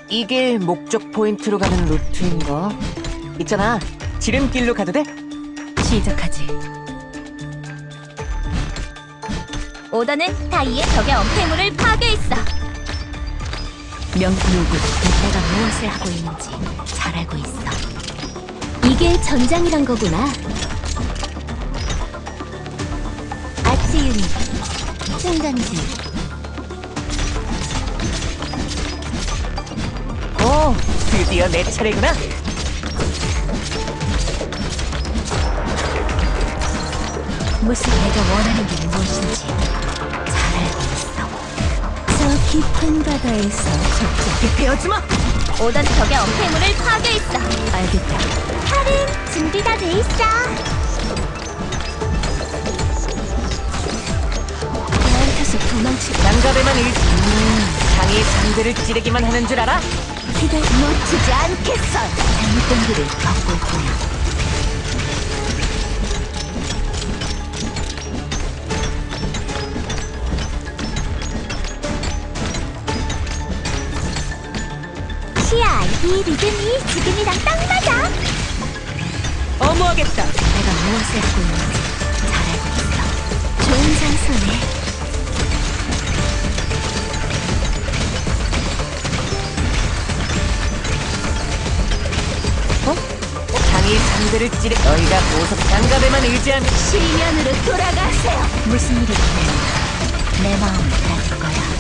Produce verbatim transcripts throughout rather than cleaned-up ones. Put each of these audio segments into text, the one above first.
이게 목적 포인트로 가는 루트인가? 있잖아, 지름길로 가도 돼? 시작하지. 오더는 다이의 적의 엄폐물을 파괴했어. 명료군, 내가 무엇을 하고 있는지 잘 알고 있어. 이게 전장이란 거구나. 아치 유닛 충전지. 오, 드디어 내 차례구나. 무슨 내가 원하는 게 무엇인지 잘 알고 있어. 저 깊은 바다에서 적절히 베어주마. 오더는 적의 엄폐물을 파괴했어. 알겠다. 칼은 준비가 돼 있어. 나한테서 도망치. 장갑에만 일... 음, 장이 상대를 찌르기만 하는 줄 알아? 기대 놓치지 않겠어. 잘못된 길을 걷고 있구나. 시야, 이 리듬이 지금이랑 딱 맞아. 어무하겠다. 내가 무엇을 하고 있는지 잘 알고 있어. 좋은 장소네. 어? 장이 상대를 찌르... 너희가 보석 장갑에만 의지하면... 실면으로 돌아가세요. 무슨 일이 있든 내 마음을 알아줄 거야.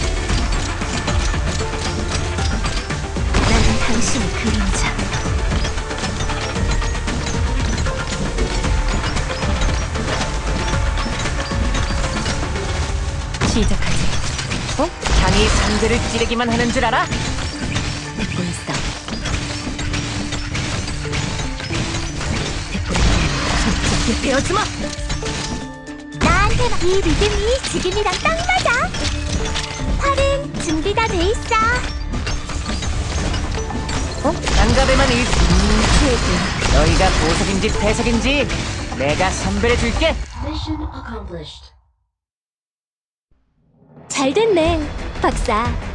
나는 당신의 그림자. 시작하지. 어? 장이 상대를 찌르기만 하는 줄 알아? 듣고 있어. 듣고 있어. 적절히 베어주마. 나한테만 이 리듬이 지금이랑 딱 맞아. 팔은 준비가 돼 있어. 어? 장갑에만 일... 음, 최고. 너희가 보석인지 배석인지 내가 선별해줄게. 잘 됐네, 박사.